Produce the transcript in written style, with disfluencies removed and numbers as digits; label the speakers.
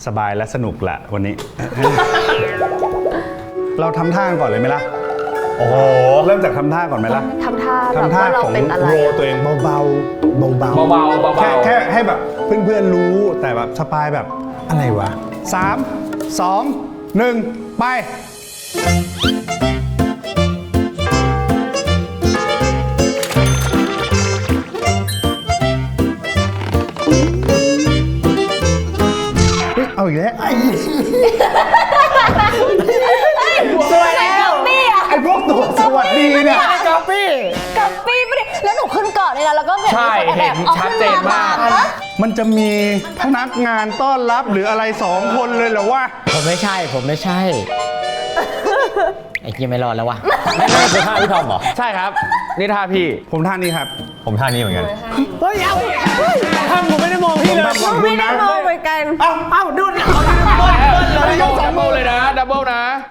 Speaker 1: บายและสนุกแหละวันนี้ เราทำท่าก่อนเลยไหมล่ะโอ้โหเริ่มจากทำท่าก่อนไหมล่ะ
Speaker 2: ทำท่าแบบว่าเราเป็นอะไร
Speaker 1: โรตัวเองเบาๆเบาๆแค่ให้แบบเพื่อนๆรู้แต่แบบสปายแบบอะไรวะ3 2 1ไปเอาอีกแล้ว
Speaker 2: สวยแล้วปี้อะ
Speaker 1: ไอ้พวกตัวสวัสดีเนี่ย
Speaker 2: กัปปี้ไม่ได้แล้วหนูขึ้นก่อนเลยนะแล้วก็แบบ
Speaker 3: ใช่เห็นชัดเจนมาก
Speaker 1: มันจะมีพนักงานต้อนรับหรืออะไร2 คนเลยเหรอวะ
Speaker 4: ผมไม่ใช่ ไอ้เหี้ยไม่รอดแล้ววะ
Speaker 3: ไม่คือท่าพี่ทอมเหรอ ใช่ครับ นี่ท่าพี่
Speaker 1: ผมท่านี้ครับ
Speaker 3: ผมท่านี้เหมือนกัน
Speaker 4: เฮ้ย เอาท่านผมไม่ได้โม